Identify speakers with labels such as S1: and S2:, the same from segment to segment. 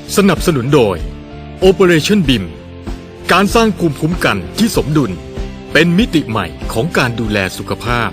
S1: สนับสนุนโดย Operation BIM การสร้างภูมิคุ้มกันที่สมดุลเป็นมิติใหม่ของการดูแลสุขภาพ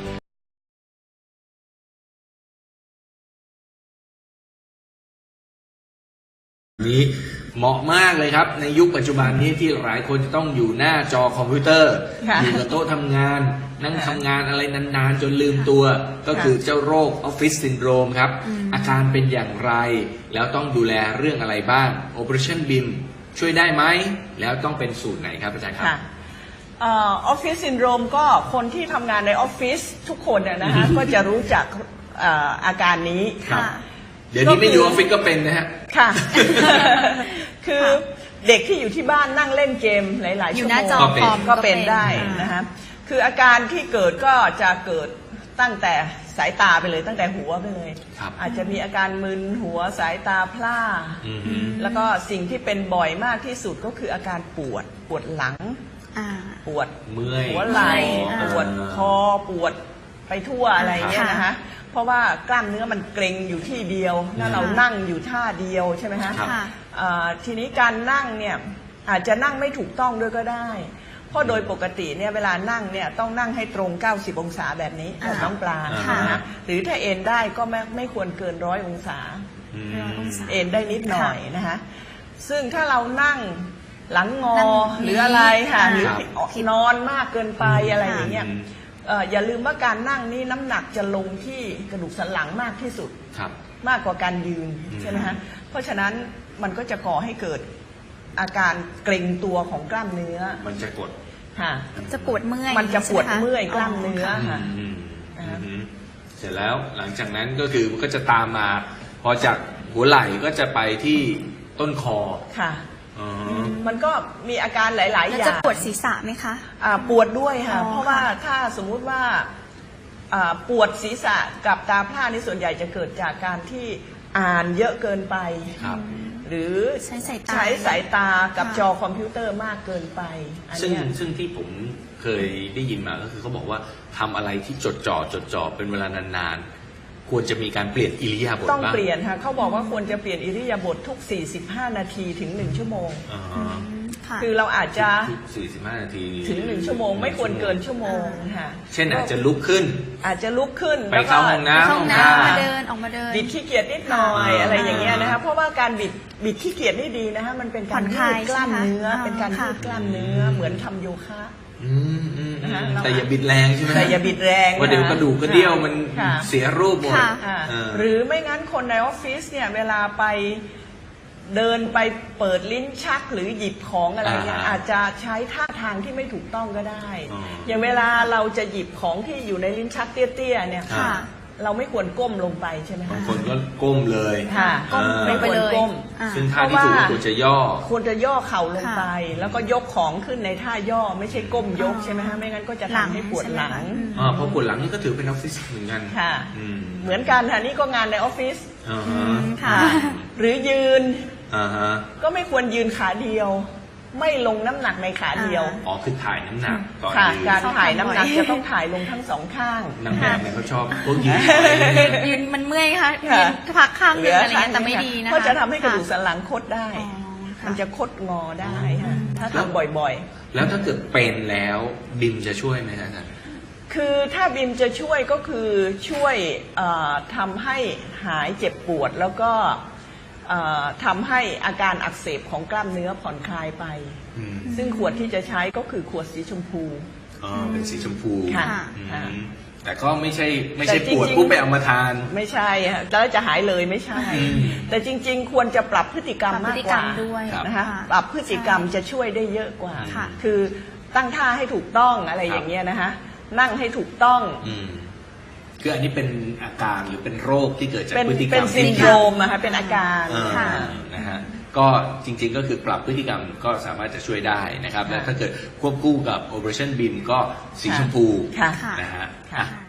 S2: นี้เหมาะมากเลยครับในยุคปัจจุบันนี้ที่หลายคนจะต้องอยู่หน้าจอคอมพิวเตอร์อยู่กับโต๊ะทำงานนั่งทำงานอะไรนานๆจนลืมตัวก็คือเจ้าโรคออฟฟิศซินโดรมครับอาการเป็นอย่างไรแล้วต้องดูแลเรื่องอะไรบ้าง Operation BIM ช่วยได้ไหมแล้วต้องเป็นสูตรไหนครับอาจารย์ครับ
S3: ออฟฟิศซินโดรมก็คนที่ทำงานในออฟฟิศทุกคนนะคะก็จะรู้จักอาการนี้
S2: เดี๋ยวนี้ไม่อยู่ออฟฟิศก็เป็นนะฮะ
S3: ค่ะคือเด็กที่อยู่ที่บ้านนั่งเล่นเกมหลายๆชั่วโมงก็เป็นได้นะคะคืออาการที่เกิดก็จะเกิดตั้งแต่สายตาไปเลยตั้งแต่หัวไปเลยอาจจะมีอาการมึนหัวสายตาพร่าแล้วก็สิ่งที่เป็นบ่อยมากที่สุดก็คืออาการปวดหลังปวดหัวไหล่ปวดคอปวดไปทั่วอะไรเงี้ยนะคะเพราะว่ากล้ามเนื้อมันเกร็งอยู่ที่เดียวแล้วเรานั่งอยู่ท่าเดียวใช่ไหมคะทีนี้การนั่งเนี่ยอาจจะนั่งไม่ถูกต้องด้วยก็ได้เพราะโดยปกติเนี่ยเวลานั่งเนี่ยต้องนั่งให้ตรง90องศาแบบนี้น้องปลานะหรือถ้าเอนได้ก็ไม่ควรเกิน100องศาเอนได้นิดหน่อยนะคะซึ่งถ้าเรานั่งหลังงอหรืออะไรค่ะหรือนอนมากเกินไปอะไรอย่างเงี้ยอย่าลืมว่าการนั่งนี่น้ำหนักจะลงที่กระดูกสันหลังมากที่สุดมากกว่าการยืนใช่ไหมฮะเพราะฉะนั้นมันก็จะก่อให้เกิดอาการเกร็งตัวของกล้ามเนื้อ
S2: มันจะกด
S3: ค่ะ
S4: จะปวดเมื่อย
S3: มันจะปวดเมื่อยกล้ามเนื้อค่ะ
S2: เสร็จแล้วหลังจากนั้นก็คือมันก็จะตามมาพอจากหัวไหล่ก็จะไปที่ต้นคอ
S3: ค่ะมันก็มีอาการหลายๆอย่าง
S4: จะปวดศีรษะไหมคะ
S3: ปวดด้วยค่ะเพราะว่าถ้าสมมุติว่าปวดศีรษะกับตาพร่านี่ส่วนใหญ่จะเกิดจากการที่อ่านเยอะเกินไปหรือใช้สายตากับจอคอมพิวเตอร์มากเกินไป
S2: ซึ่งที่ผมเคยได้ยินมาก็คือเขาบอกว่าทำอะไรที่จดจ่อเป็นเวลานานๆควรจะมีการเปลี่ยนอิริยาบถ
S3: ต้องเปลี่ยนค่ะเขาบอกว่าควรจะเปลี่ยนอิริยาบถทุก45นาทีถึง1ชั่วโมงคือเราอาจจะ
S2: 45นาที
S3: ถึง1ชั่วโมงไม่ควรเกินชั่วโมงค่ะ
S2: เช่นอาจจะลุกขึ้นไปเข้าห้องน้ำ
S4: ออกมาเดิน
S3: บิดขี้เกียจนิดหน่อยอะไรอย่างเงี้ยนะคะเพราะว่าการบิดขี้เกียจนี่ดีนะคะมันเป็นการยืดกล้ามเนื้อเป็นการยืดกล้ามเนื้อเหมือนทำโยคะ
S2: แต่อย่าบิดแรงใช่ไหม
S3: แต่อย่าบิดแรง
S2: ว่าเดี๋ยวกระดูกกระเดี่ยวมันเสียรูปหมด
S3: หรือไม่งั้นคนในออฟฟิศเนี่ยเวลาไปเดินไปเปิดลิ้นชักหรือหยิบของอะไรเนี่ยอาจจะใช้ท่าทางที่ไม่ถูกต้องก็ได้อย่างเวลาเราจะหยิบของที่อยู่ในลิ้นชักเตี้ยๆเนี่ยเราไม่ควรก้มลงไปใช่ไหมคะ
S2: บางคนก็ก้มเลย
S3: ไม่ควรก้ม
S2: ซึ่งท่าที่ถูกควรจะย่
S3: อเข่าลงไปแล้วก็ยกของขึ้นในท่าย่อไม่ใช่ก้มยกใช่ไหมคะไม่งั้นก็จะทำให้ปวดหลัง
S2: เพราะปวดหลังนี่ก็ถือเป็นออฟฟิศเหมือนกัน
S3: ค่ะเหมือนกันค่ะนี่ก็งานในออฟฟิศหรือยืนก็ไม่ควรยืนขาเดียวไม่ลงน้ำหนักในขาเดียว
S2: คือถ่ายน้ำหนักตอน
S3: ยืนการถ่ายน้ำหนักจะต้องถ่ายลงทั้งสองข้าง
S2: นางแบบเนี่ยเขาชอบพวก
S4: ยืนมันเมื่อยค่ะยืนพักข้างนึงอะไรเงี้ยแต่ไม่ดีนะ
S3: เพราะจะทำให้กระดูกสันหลังคดได้มันจะคดงอได้ถ้าทำบ่อย
S2: ๆแล้วถ้าเกิดเป็นแล้วบิมจะช่วยไหมอาจารย์
S3: คือถ้าบิมจะช่วยก็คือช่วยทำให้หายเจ็บปวดแล้วก็ทำให้อาการอักเสบของกล้ามเนื้อผ่อนคลายไปซึ่งขวดที่จะใช้ก็คือขวดสีชมพู
S2: เป็นสีชมพู
S3: ค่ะ
S2: แต่ก็ไม่ใช่ปวดปุ๊บไปเอามาทาน
S3: ไม่ใช่แล้วจะหายเลยไม่ใช่แต่จริงๆควรจะปรับพฤติกรรมมากกว่านะคะปรับพฤติกรรมจะช่วยได้เยอะกว่าคือตั้งท่าให้ถูกต้องอะไรอย่างเงี้ยนะคะนั่งให้ถูกต้อง
S2: คืออันนี้เป็นอาการหรือเป็นโรคที่เกิดจากพฤติกรรม
S3: เป็นซินโดรมนะคะเป็นอาการ
S2: นะฮะก็จริงๆก็คือปรับพฤติกรรมก็สามารถจะช่วยได้นะครับและถ้าเกิดควบคู่กับ Operation BIM ก็สีชมพูนะฮะ